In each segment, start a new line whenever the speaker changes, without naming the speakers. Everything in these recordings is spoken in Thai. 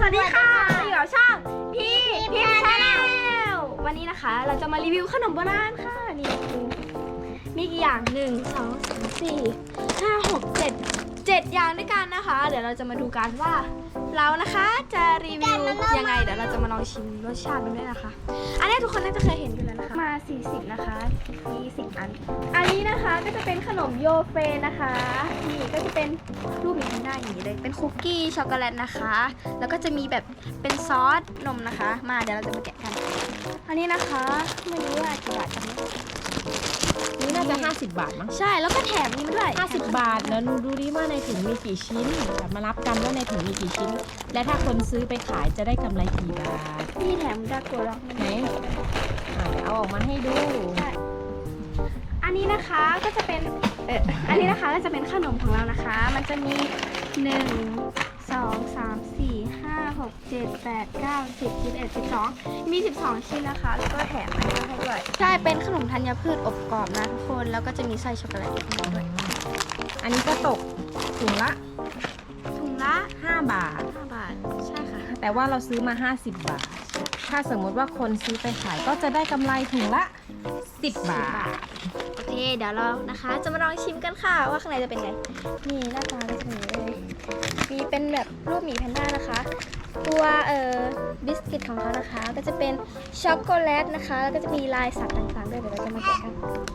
สวัสดีค่ะอยู่กับช่องพี่พิมพ์ชาแนลวันนี้นะคะเราจะมารีวิวขนมโบราณค่ะนี่มีกี่อย่าง1 2 3 4 5 6 7อย่างด้วยกันนะคะเดี๋ยวเราจะมาดูกันว่าเรานะคะจะรีวิวยังไงเดี๋ยวเราจะมาลองชิมรสชาติมันด้วยนะคะอันนี้ทุกคนน่าจะเคยเห็นอยู่แล้วนะคะมา40นะคะมี10อันนี้นะคะก็จะเป็นขนมโยเฟนนะคะนี่ก็จะเป็นรูปอย่างนี้ได้อย่างนี้เลยเป็นคุกกี้ช็อกโกแลตนะคะแล้วก็จะมีแบบเป็นซอสนมนะคะมาเดี๋ยวเราจะมาแกะกันอันนี้นะคะไม่รู้ว่ากี่บาทกัน
นี่น่าจะ50 บาทมั้ง
ใช่แล้วก็แถมนี้มาด้วย
50 บาทแล้วดูดิว่าในถุงมีกี่ชิ้นมานับกันว่าในถุงมีกี่ชิ้นและถ้าคนซื้อไปขายจะได้กำไรกี่บาท
นี่แถมดาโกะล็อกมา
ไหนเดี๋ยวเอาออกมาให้ดู
อันนี้นะคะก็จะเป็นอันนี้นะคะก็จะเป็นขนมของเรานะคะมันจะมี1 2 3 4 5 6 7 8 9 10 11 12มี12ชิ้นนะคะแล้วก็แถมอันนี้ให้ด้วยใช่เป็นขนมธัญพืชอบกรอบนะทุกคนแล้วก็จะมีไส้ช็อกโกแลตด้วย
อันนี้ก็ตกถุงละ5 บาท
ใช่ค่ะ
แต่ว่าเราซื้อมา50 บาทถ้าสมมติว่าคนซื้อไปขายก็จะได้กำไรถุงละ10 บาท
โอเคเดี๋ยวเรานะคะจะมาลองชิมกันค่ะว่าข้างในจะเป็นไงนี่หน้าตาก็จะเป็นอย่างนี้เลยมีเป็นแบบรูปหมีแพนด้านะคะตัวบิสกิตของเขานะคะก็จะเป็นช็อกโกแลตนะคะแล้วก็จะมีลายสัตว์ต่างๆด้วยเดี๋ยวเราจะมาแกะกัน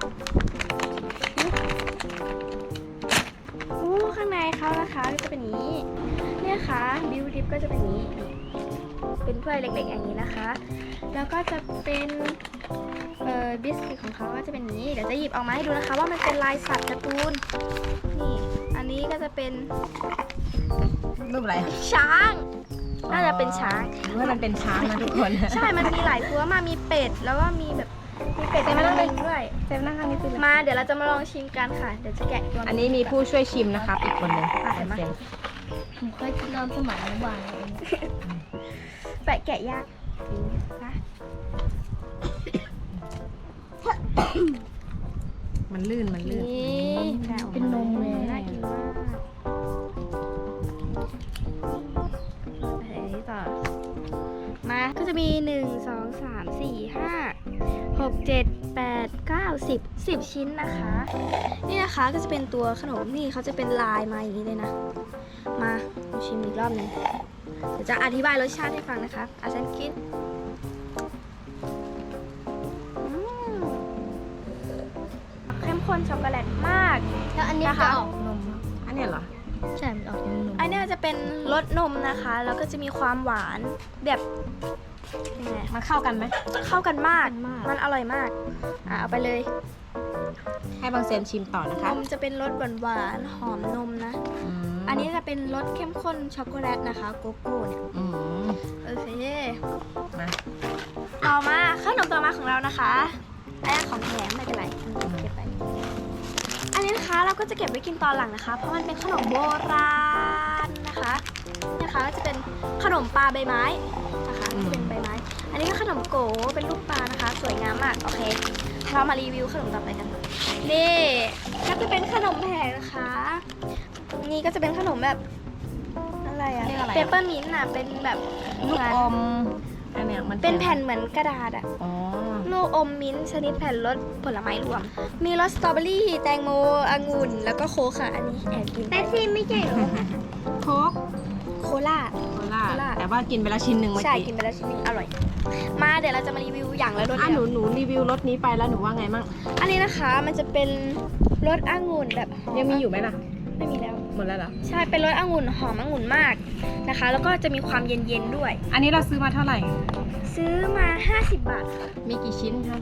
ข้างในเขานะคะก็จะเป็นอย่างนี้เนี่ยค่ะบิวดิฟก็จะเป็นอย่างนี้เป็นถ้วยเล็กๆอย่างนี้นะคะแล้วก็จะเป็นบิสกิตของเขาก็จะเป็นอย่างนี้เดี๋ยวจะหยิบออกมาให้ดูนะคะว่ามันเป็นลายสัตว์การ์ตูนนี่อันนี้ก็จะเป็น
รูปอะไร
ช้างน่าจะเป็นช้าง
ว่ามันเป็นช้างนะทุกคน
ใช่มันมีหลายตัวมามีเป็ดแล้วก็มีแบบมีเป็ดแต่ไม่ต้องเป็นด้วย
เซฟนะคะนี่คือ
มาเดี๋ยวเราจะมาลองชิมกันค่ะเดี๋ยวจะแกะตัว
อันนี้มีผู้ช่วยชิมนะครับอีกคนนึง
ผมเคยกินตอนสมัยอนุบาลแปะแกะยากนะ
มันลื่น
เป็นนมเลยน่ากินมากต่อมาก็จะมี1 2 3 4 5 6 7 8 9 10ชิ้นนะคะนี่นะคะก็จะเป็นตัวขนมนี่เขาจะเป็นลายมาอย่างนี้เลยนะมาชิมอีกรอบหนึ่งเดี๋ยวจะอธิบายรสชาติให้ฟังนะคะอาจารย์กินเข้มข้นช็อกโกแลตมาก
แล้วอันนี้จะออกนม
อันนี้เหรอ
ใช่มันออกนม
อันนี้จะเป็นรสนมนะคะแล้วก็จะมีความหวานแบบยังไง
มันเข้ากันไหม
เข้ากันมากมันอร่อยมากเอาไปเลย
ให้บางเซนชิมต่อนะคะ
นมจะเป็นรสหวานหอมนมนะอันนี้จะเป็นรสเข้มข้นช็อกโกแลตนะคะโกโก้เนี่ยโอเค
มา
ต่อมาขนมต่อมาของเรานะคะอันนี้ของแถมไม่เป็นไรเก็บไปอันนี้นะคะเราก็จะเก็บไว้กินตอนหลังนะคะเพราะมันเป็นขนมโบราณนะคะก็จะเป็นขนมปลาใบไม้นะคะเป็นใบไม้อันนี้ก็ขนมโกเป็นรูปปลานะคะสวยงามมากโอเคเรามารีวิวขนมต่อไปกันนี่ก็จะเป็นขนมแผ่นะคะนี่ก็จะเป็นขนมแบบอะไรอะเปเปอร์มินต์เป็นแบบ
ลูกอมอันเนี้ยมัน
เป็นแผ่นเหมือนกระดาษลูกอมมิ้นท์ชนิดแผ่นรสผลไม้รวมมีรสสตรอเบอรี่แตงโมองุ่นแล้วก็โค้กค่ะอันนี้แอบกิน
แต่ซีไม่ใช่หรอ
โค้ก
โคล่า
แต่ว่ากินไปแล้วชิ้นหนึ่งเมื่อกี้
ใช่กินไปแล้วชิ้นหนึ่งอร่อยมาเดี๋ยวเราจะมารีวิวอย่างละรส
หนูรีวิวรสนี้ไปแล้วหนูว่าไงมั่ง
อันนี้นะคะมันจะเป็นรสองุ่นแบบ
ยังมีอยู่ไหมล่ะ
ไม่มีแล้ว
หมดแล้วเหรอ
ใช่เป็นรสองุ่นหอมองุ่นมากนะคะแล้วก็จะมีความเย็นๆด้วย
อันนี้เราซื้อมาเท่าไหร่
ซื้อมา50 บาทค่ะ
มีกี่ชิ้นคะ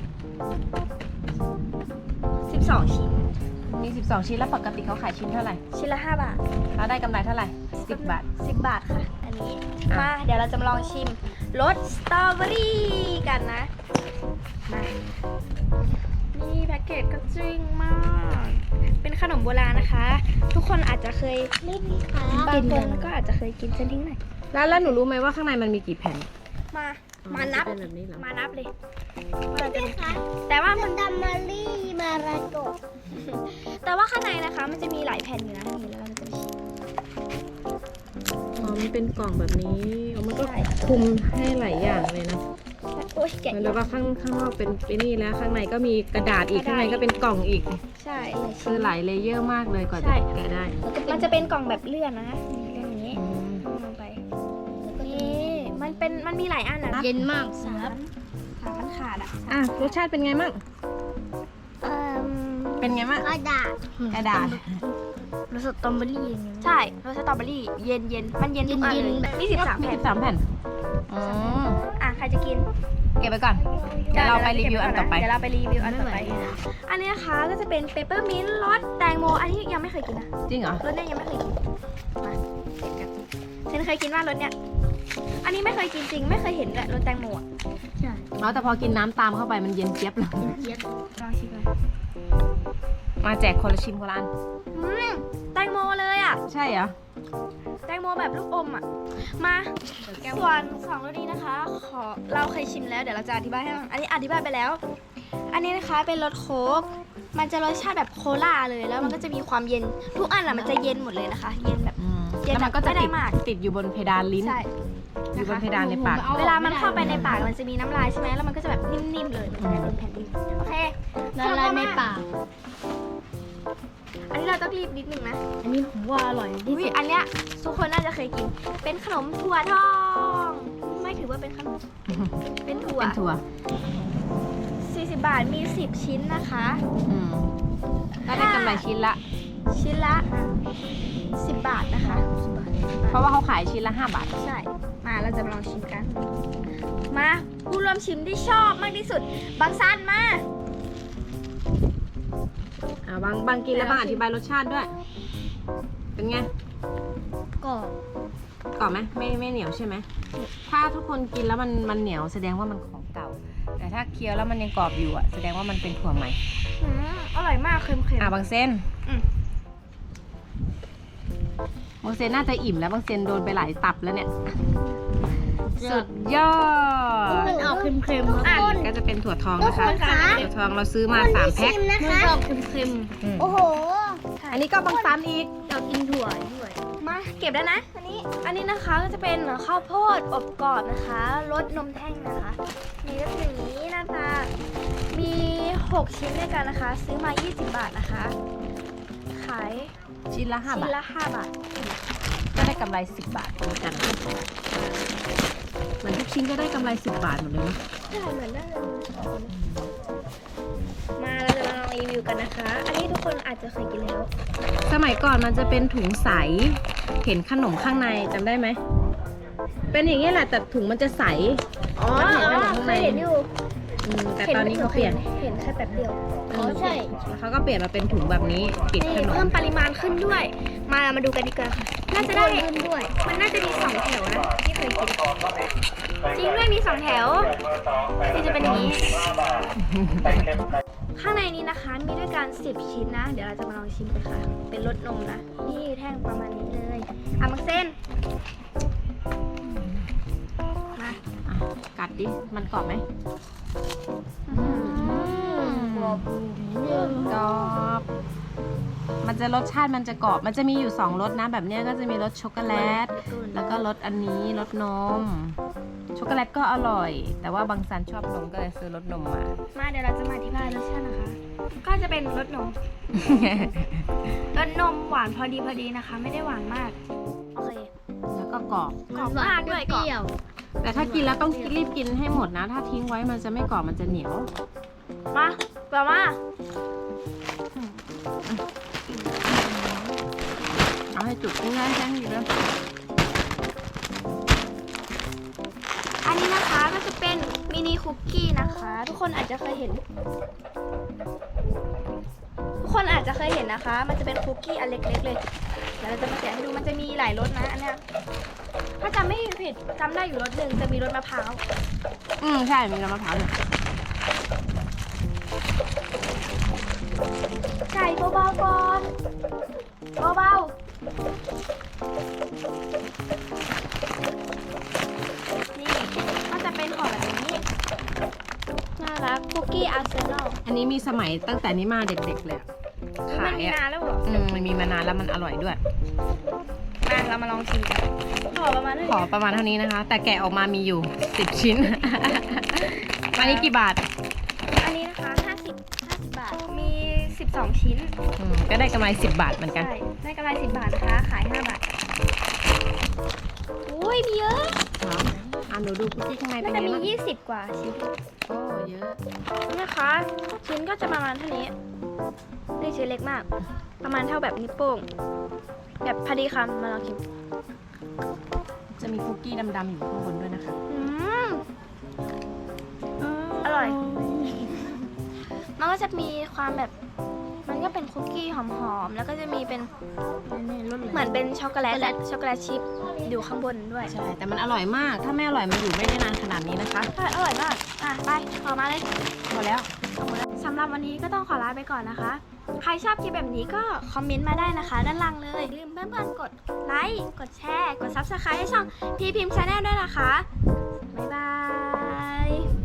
12 ชิ้น
มี12ชิ้นแล้วปกติเขาขายชิ้นเท่าไหร่
ชิ้นละ5 บาท
แล้วได้กำไรเท่าไหร่10 บาท
10 บาทค่ะอันนี้มาเดี๋ยวเราจะมาลองชิมรสสตรอเบอรี่กันนะมานี่แพ็กเกจก็จริงมากเป็นขนมโบราณนะคะทุกคนอาจจะเคยบางคนก็อาจจะเคยกินเส้นทิ้งหน่อย
แล้วหนูรู้ไหมว่าข้างในมันมีกี่แผ่น
มานับมานับเลยแต่ว่ามัน
ดัมมารี่มาราโกะ
แต่ว่าข้างในนะคะมันจะมีหลายแผ่นอยู่นะนี่แล้วเราจะชิม
อ๋อมันเป็นกล่องแบบนี้อ๋อมันก็คลุมให้หลายอย่างเลยนะ
โอ้ยแกะ
เหมือนแบบว่าข้างนอกเป็นนี่แล้วข้างในก็มีกระดาษอีกข้างในก็เป็นกล่องอีก
ใช่
คือหลายเลเยอร์มากเลยกว่า
ใช่
จะแกะได้
มันจะเป็นกล่องแบบเลื่อนนะเลื่อนอย่างนี้
อืม
ลงไปนี่มันมีหลายอันนะ
เย็นมาก
สามมันขาดอ่ะ
อ่ะรสชาติเป็นไงมั่ง
เอ่อ
เป็นไงมั่ง
กระดาษ
กระดาษ
รสสตรอเบอรี่อย่างเงี้ย
ใช่รสสตรอเบอรี่เย็นมันเย็นทุกอัน
เย็
เล
น
ย
ๆแบบ
มี13แผ่น
13แผ่นอืม
อ่ะใครจะกิน
เก็บไปก่อนเดี๋ยวเราไปรีวิวอันต่อไป
เดี๋ยวเราไปรีวิวอันต่อไป
ไม่ไหว
อันนี้นะคะก็จะเป็นเปปเปอร์มินต์รสแตงโมอันนี้ยังไม่เคยกินนะ
จริงเหรอ
รสเนี้ยยังไม่เคยกินมาเด็ดกันฉันเคยกินว่ารสเนี้ยอันนี้ไม่เคยกินจริงไม่เคยเห็นเลยรสแตงโมอ่ะ
ใช่
อ๋อแต่พอกินน้ำตามเข้าไปมันเย็นเจี๊ยบเลย
เย็น
ลองชิมเลย
มาแจกคนละชิมคนละอัน
แตงโมเลยอ่ะ
ใช่เหรอ
แตงโมแบบลูกอมอ่ะมาส่วนสองรสนี้นะคะเราเคยชิมแล้วเดี๋ยวเราจะอธิบายให้ฟังอันนี้อธิบายไปแล้ว อันนี้นะคะเป็นรสโค้กมันจะรสชาติแบบโคลาเลยแล้วมันก็จะมีความเย็นทุกอันอ่ะมันจะเย็นหมดเลยนะคะ เย็นแบบ เย็น
แล้วมันก็จะ
ไม่ได้
ติด
มาก
ติดอยู่บนเพดานลิ้น
ใช่
อยู่บนเพดานในปาก
เวลามันเข้าไปในปากมันจะมีน้ำลายใช่ไหมแล้วมันก็จะแบบนิ่มๆเลยมันจะเป็นแผ่นดินโอเค
ละลายในปาก
อันนี้เราต้องรีบนิดนึงนะ
อันนี้ผมว่าอร่อยที่
อุ้ย
สุด
อันเนี้ยทุกคนน่าจะเคยกิน เป็นขนมถั่วทองไม่ถือว่าเป็นขนมเป็นถั่ว
เป็นถั่ว
40 บาทมี 10 ชิ้นนะคะ
อืมก็ได้กำไรชิ้นละ
ชิ้นละ 10 บาทนะคะ
เพราะว่าเขาขายชิ้นละ5 บาท
ใช่ มาเราจะมาลองชิมกัน มาผู้ร่วมชิมที่ชอบมากที่สุด บางซันมา
บางกินแล้วบางอธิบายรสชาติด้วย เป็นไง
กรอบ
กรอบไหมไม่เหนียวใช่ไหม ถ้าทุกคนกินแล้วมันเหนียวแสดงว่ามันของเก่า แต่ถ้าเคี้ยวแล้วมันยังกรอบอยู่อ่ะแสดงว่ามันเป็นถั่วใหม่
อร่อยมากเค็มๆ
บางเส้น
อืม
บางเส้นน่าจะอิ่มแล้วบางเส้นโดนไปหลายตับแล้วเนี่ย สุดยอด
มันออกเค็มๆทุกคน
ก็จะเป็นถั่วทองนะคะ
ทุกคนคะ
ถั่วทองเราซื้อมา3 แพ็ค
มันออกเค็ม
อืม
ๆโอ้โห
อันนี้ก็บางซันอีก
อยากกินถั่วด้วย
มาเก็บแล้วนะ อันนี้นะคะก็จะเป็นข้าวโพดอบกรอบนะคะรสนมแท่งนะคะนี่ก็คืออย่างนี้หน้าตา มี 6 ชิ้นด้วยกันนะคะ ซื้อมา 20 บาทนะคะ ขาย
ชิ้นละ5
ชิ้
บาน ท
ละ 5 บาท
ก็ได้กำไร10 บาทเหมือนกันเหมือนทุกชิ้นก็ได้กำไร10 บาทหมดเลยนะ
ใช่เหมือนได้เลยมาเราจะมาลองรีวิวกันนะคะ อันนี้ทุกคนอาจจะเคยกินแล้ว
สมัยก่อนมันจะเป็นถุงใส เห็นขนมข้างในจำได้ไหม เป็นอย่างนี้ยแหละแต่ถุงมันจะใส
อ๋อ
เห็นขนมข้าง
เค
ใน
ยเห็นอยู่
แต่ตอนนี้เขาเปลี่ยน
เห็นแค่แบบเดียว
อ๋อใช่
แล้วเขาก็เปลี่ยนมาเป็นถุงแบบนี้ปิดขน
เพิ่
ม
มปริมาณขึ้นด้วย มาดูกันดีกว่าค่ะน่าจะได้
ขึ้นด้วย
มันน่าจะมี2 แถวนะที่เคยกิน จริงด้วยมี2 แถวที่จะเป็นอย่างนี้ ข้างในนี้นะคะมีด้วยกัน10 ชิ้นนะ เดี๋ยวเราจะมาลองชิมกันค่ะ เป็นรสนมนะ นี่แท่งประมาณนี้เลยมักเส้นมา
อ่ะกัดดิ มันกรอบไหม
กรอบเรื่อง
กรอบ มันจะรสชาติมันจะกรอบ มันจะมีอยู่2รสนะ แบบเนี้ยก็จะมีรสช็อกโกแลต แล้วก็รสอันนี้รสนม ช็อกโกแลตก็อร่อย แต่ว่าบางซันชอบนมก็เลยซื้อรสนมมา
มาเดี๋ยวเราจะมาอธิบายรสชาตินะคะ ก็จะเป็นรสนม รสนมหวานพอดีนะคะ ไม่ได้หวานมาก โอเค
แล้วก็กรอบ
กรอบมากด้วย
เปรี้ยว
แต่ถ้ากินแล้วต้องรีบกินให้หมดนะ ถ้าทิ้งไว้มันจะไม่กรอบมันจะเหนียว
มาต่อมา
เอาให้จุกง่ายๆแค่นี้เลย
อันนี้นะคะก็จะเป็นมินิคุกกี้นะคะ ทุกคนอาจจะเคยเห็น ทุกคนอาจจะเคยเห็นนะคะ มันจะเป็นคุกกี้อันเล็กๆเลยเดี๋ยวเราจะมาแกะให้ดูมันจะมีหลายรสนะอันเนี้ยถ้าจำไม่ผิดจำได้อยู่รสหนึ่งจะมีรสมะพร้าว
ใช่มีน้ำมะพร้าวด้วย
ไก่เบาๆก่อนเบาๆนี่ก็จะเป็นห่อแบบนี้น่ารักคุกกี้อาร์เซนอล
อันนี้มีสมัยตั้งแต่นี้มาเด็กๆเลยอะ
มั
ขาน ย
มี
อ่ะ
นานแล้วเหรอ
มันมีมานานแล้วมันอร่อยด้วย
มาเเรามาลองชิมกันขอประมาณนี้
ขอประมาณเท่านี้นะคะ แต่แกะออกมามีอยู่ 10 ชิ้น อันนี้กี่บาท
อันนี้นะคะ50 บาท มี 12 ชิ้น
ก็ได้กำไร10 บาทเหมือนกัน
ใช่ ได้กำไร10 บาทนะคะ ขาย 5 บาทอุ้ยมีเยอะ
หนูดูคุกกี้ข้างในเป็
น่าน จะ
ไง
มี
บ้าง
20 กว่าชิ้น
โอ้เยอะ
นี่นะคะ ชิ้นก็จะประมาณเท่านี้นี่ชิ้นเล็กมาก ประมาณเท่าแบบนิ้วโป้ง แบบพอดีคำมาลองชิม
จะมีคุกกี้ดำๆอยู่ข้างบนด้วยนะคะ
อืมอร่อย มันก็จะมีความแบบ มันก็เป็นคุกกี้หอมๆ แล้วก็จะมีเป็นเหมือนเป็นช็อกโกแลตและช็อกโกแลตชิพอยู่ข้างบนด้วย
ใช่ แต่มันอร่อยมาก ถ้าไม่อร่อยมันอยู่ไม่ได้นานขนาดนี้นะคะ
ใช่อร่อยมาก ไปขอมาเลย
พอแล้ว
สำหรับวันนี้ก็ต้องขอลาไปก่อนนะคะ ใครชอบคลิปแบบนี้ก็คอมเมนต์มาได้นะคะ ด้านล่างเลยอย่าลืมเพื่อนๆกดไลค์ กดแชร์ กด Subscribe ให้ช่องพี่พิมพ์ชาแนลด้วยนะคะ บ๊ายบาย